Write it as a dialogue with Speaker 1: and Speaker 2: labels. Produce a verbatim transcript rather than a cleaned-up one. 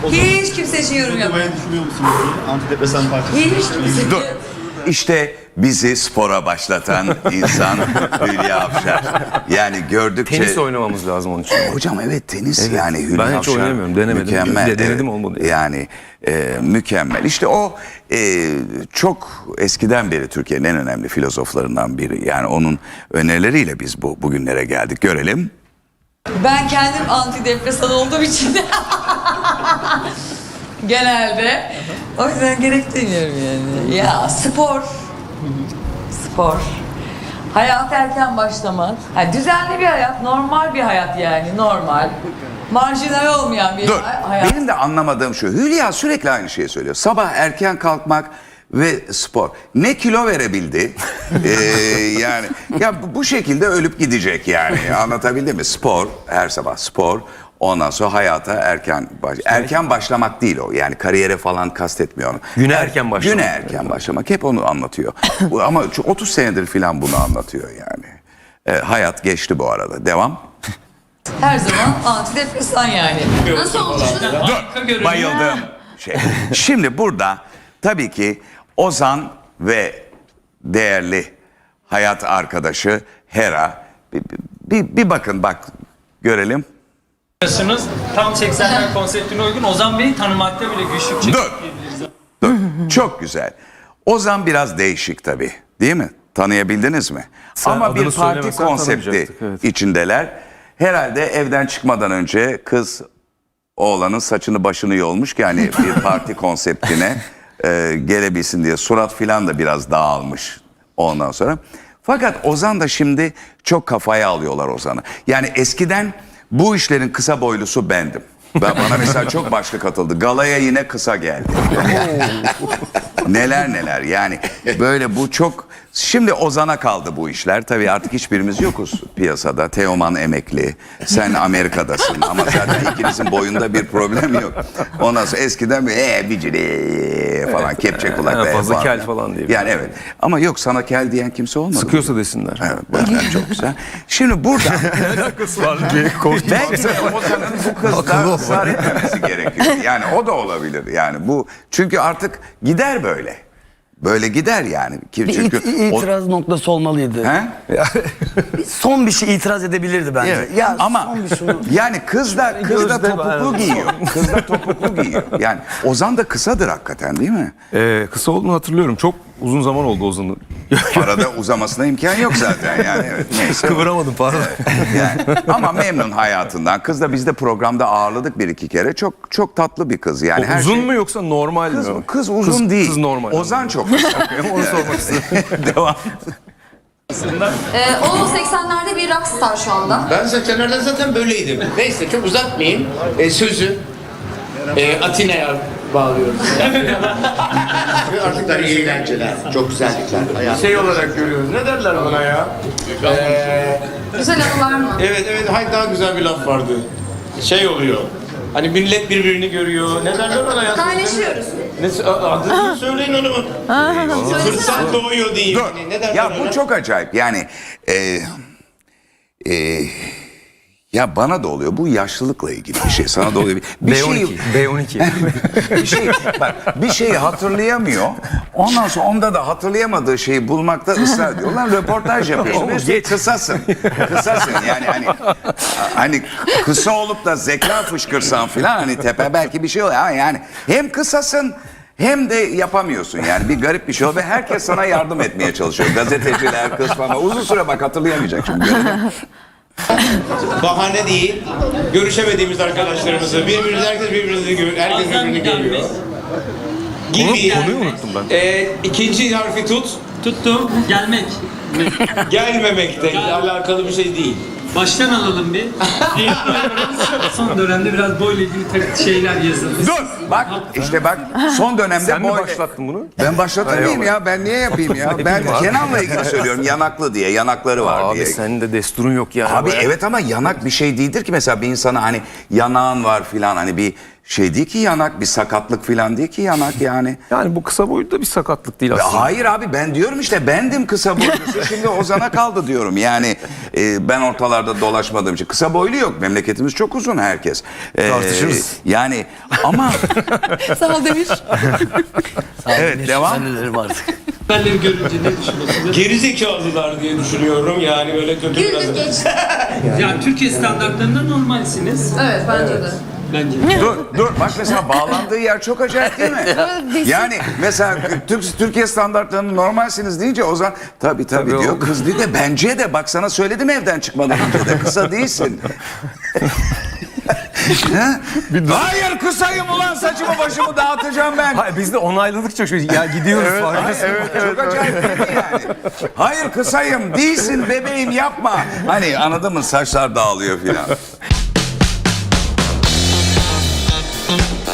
Speaker 1: Hiç kimse için yorum yapmıyor.
Speaker 2: Uygulamaya düşünüyor musunuz? Antidepresan parçası.
Speaker 1: Hiç kimse.
Speaker 3: Dur. İşte bizi spora başlatan insan Hülya Avşar. Yani gördükçe...
Speaker 4: Tenis oynamamız lazım onun için.
Speaker 3: Hocam evet tenis
Speaker 4: Evet.
Speaker 3: yani Hülya
Speaker 4: Ben hiç
Speaker 3: Avşar
Speaker 4: oynayamıyorum, denemedim.
Speaker 3: Mükemmel.
Speaker 4: De- denedim,
Speaker 3: evet.
Speaker 4: olmadı.
Speaker 3: Yani e, mükemmel. İşte o e, çok eskiden beri Türkiye'nin en önemli filozoflarından biri. Yani onun önerileriyle biz bu bugünlere geldik. Görelim.
Speaker 1: Ben kendim antidepresan olduğum için genelde o yüzden gerek duymuyorum yani. Ya spor, spor, hayat erken başlamak, ha, düzenli bir hayat, normal bir hayat yani normal, marjinal olmayan bir
Speaker 3: Dur.
Speaker 1: hayat.
Speaker 3: Benim de anlamadığım şu. Hülya sürekli aynı şeyi söylüyor. Sabah erken kalkmak ve spor. Ne kilo verebildi? ee, yani ya bu- bu şekilde ölüp gidecek yani. Anlatabildim mi? Spor, her sabah spor. Ondan sonra hayata erken baş erken başlamak değil o. Yani kariyere falan kastetmiyor onu.
Speaker 4: Güne erken başlamak.
Speaker 3: Güne erken başlamak. Hep onu anlatıyor. Bu, ama şu otuz senedir falan bunu anlatıyor yani. Ee, hayat geçti bu arada. Devam.
Speaker 1: Her zaman antidepresan yani. Nasıl olmuş?
Speaker 3: Dur, bayıldım. Şey. Şimdi burada tabii ki Ozan ve değerli hayat arkadaşı Hera. Bir, bir, bir bakın bak görelim.
Speaker 5: Yaşınız tam seksenler konseptine uygun. Ozan Bey'i tanımakta bile güçlük çekiyor.
Speaker 3: Dur. Dur. Çok güzel. Ozan biraz değişik tabii. Değil mi? Tanıyabildiniz mi?
Speaker 4: Sen
Speaker 3: Ama
Speaker 4: adını
Speaker 3: bir parti
Speaker 4: söylemesen
Speaker 3: konsepti
Speaker 4: tanımayacaktık, evet.
Speaker 3: içindeler. Herhalde evden çıkmadan önce kız oğlanın saçını başını yolmuş ki hani bir parti konseptine e, gelebilsin diye surat filan da biraz dağılmış ondan sonra. Fakat Ozan da şimdi çok kafaya alıyorlar Ozan'ı. Yani eskiden bu işlerin kısa boylusu bendim. Ben, bana mesela çok başlık atıldı. Galaya yine kısa geldi. Neler neler yani böyle bu çok... Şimdi Ozan'a kaldı bu işler. Tabii artık hiçbirimiz yokuz piyasada. Teoman emekli, sen Amerika'dasın ama zaten ikinizin boyunda bir problem yok. Ondan sonra eskiden bir ee bicili falan kepçe kulak.
Speaker 4: Ha, fazla
Speaker 3: falan.
Speaker 4: kel falan diye.
Speaker 3: Yani evet ama yok sana kel diyen kimse olmadı.
Speaker 4: Sıkıyorsa desinler.
Speaker 3: Evet, bu yüzden çok güzel. Şimdi burada belki de Ozan'ın bu kızda ısrar etmemesi gerekiyor. Yani o da olabilir yani bu çünkü artık gider böyle. Böyle gider yani. Ki-
Speaker 6: Bir
Speaker 3: Çünkü
Speaker 6: it-
Speaker 3: o-
Speaker 6: itiraz noktası olmalıydı.
Speaker 3: He?
Speaker 6: Son bir şey itiraz edebilirdi bence.
Speaker 3: Evet.
Speaker 6: Ya
Speaker 3: Ama
Speaker 6: son bir şunu.
Speaker 3: yani kız da kız da
Speaker 4: Gözde
Speaker 3: topuklu
Speaker 4: var.
Speaker 3: giyiyor. Kız da topuklu giyiyor. Yani Ozan da kısadır hakikaten değil mi?
Speaker 4: Ee, kısa olduğunu hatırlıyorum. Çok uzun zaman oldu Ozan'ın.
Speaker 3: Arada uzamasına imkan yok zaten yani. Evet, neyse.
Speaker 4: Kıvıramadım pardon.
Speaker 3: Yani, ama memnun hayatından. Kız da biz de programda ağırladık bir iki kere. Çok çok tatlı bir kız. Yani her
Speaker 4: uzun
Speaker 3: şey...
Speaker 4: mu yoksa normal
Speaker 3: Kız,
Speaker 4: mi?
Speaker 3: kız uzun değil.
Speaker 4: Kız normal.
Speaker 3: Ozan çok kısa.
Speaker 4: Onu sormak istedim.
Speaker 3: Devam.
Speaker 7: Ee, o seksenlerde bir rockstar şu anda.
Speaker 8: Ben seksenlerde zaten böyleydim. Neyse çok uzatmayayım. E, sözü e, Atina'ya bağlıyoruz. Artık da iyi eğlenceler, çok güzellikler. Hayat. Şey olarak görüyoruz. Ne derler buna ya? Ee,
Speaker 7: Güzel anılar mı?
Speaker 8: evet evet, hayır daha güzel bir laf vardı. Şey oluyor. Hani millet birbirini görüyor. Ne derler bana ya?
Speaker 7: Kaynaşıyoruz.
Speaker 8: Ne, adını söyleyin onu. Fırsat doğuyor diyeyim.
Speaker 3: Dur.
Speaker 8: Hani ne derler
Speaker 3: Ya
Speaker 8: ona?
Speaker 3: bu çok acayip. Yani e, e, ya bana da oluyor. Bu yaşlılıkla ilgili bir şey. Sana da oluyor. Bir
Speaker 4: B on
Speaker 3: şey,
Speaker 4: iki. B on iki.
Speaker 3: bir şey, bak, bir şeyi hatırlayamıyor. Ondan sonra onda da hatırlayamadığı şeyi bulmakta ısrar ediyor. Ulan röportaj yapıyorsun. Üstelik kısasın. Kısasın yani hani hani kısa olup da zeka fışkırsan filan hani tepe belki bir şey oluyor ama yani hem kısasın hem de yapamıyorsun yani bir garip bir şey oluyor ve herkes sana yardım etmeye çalışıyor. Gazeteciler, kız falan. Uzun süre bak hatırlayamayacak şimdi.
Speaker 8: Bahane değil. Görüşemediğimiz arkadaşlarımızı, birbirimizi herkes birbirini görüyor, herkes birbirini görüyor. Gibi.
Speaker 4: Konuyu unuttum ben.
Speaker 8: Ee, ikinci harfi tut.
Speaker 5: Tuttum. Gelmek.
Speaker 8: Gelmemekle alakalı bir şey değil.
Speaker 5: Baştan alalım bir. Son dönemde biraz boyla ilgili takı şeyler yazıldı.
Speaker 3: Dur bak işte bak son dönemde
Speaker 4: Sen mi
Speaker 3: boy-
Speaker 4: başlattın bunu?
Speaker 3: Ben başlatmayayım ya ben niye yapayım ya ben
Speaker 4: bileyim abi.
Speaker 3: Kenan'la ilgili söylüyorum yanaklı diye yanakları var
Speaker 4: Abi
Speaker 3: diye.
Speaker 4: senin de desturun yok yani.
Speaker 3: Abi
Speaker 4: Bayağı-
Speaker 3: evet ama yanak bir şey değildir ki mesela bir insana hani yanağın var filan hani bir şey değil ki yanak, bir sakatlık falan değil ki yanak yani.
Speaker 4: Yani bu kısa boylu da bir sakatlık değil
Speaker 3: Ya
Speaker 4: aslında.
Speaker 3: hayır abi, ben diyorum işte bendim kısa boylusu, şimdi Ozan'a kaldı diyorum. Yani e, ben ortalarda dolaşmadığım için kısa boylu yok, memleketimiz çok uzun herkes. E,
Speaker 6: Tartışırız.
Speaker 3: Yani ama
Speaker 1: Sağ ol Demir.
Speaker 3: evet, devam.
Speaker 6: Ben de artık.
Speaker 5: Haberleri görünce ne düşünüyorsunuz?
Speaker 8: Gerizekalılar diye düşünüyorum. Yani böyle kötü biraz.
Speaker 7: Güldür geçti.
Speaker 5: Yani Türkiye standartlarında normalsiniz.
Speaker 7: Evet bence de.
Speaker 5: Bence.
Speaker 3: Dur dur, bak mesela bağlandığı yer çok acayip değil mi? Yani mesela Türk, Türkiye standartlarını normalsiniz deyince Ozan tabii tabii,
Speaker 4: Tabii
Speaker 3: diyor.
Speaker 4: o-
Speaker 3: Kız değil de bence de, bak sana söyledim evden çıkmadan önce de kısa değilsin. Ha? Hayır, kısayım ulan, saçımı başımı dağıtacağım ben.
Speaker 4: Hayır, biz de onayladıkça şu ya gidiyoruz farkındasın.
Speaker 3: Çok acayip değil mi yani? Hayır, kısayım, değilsin bebeğim, yapma. Hani anladın mı, saçlar dağılıyor filan.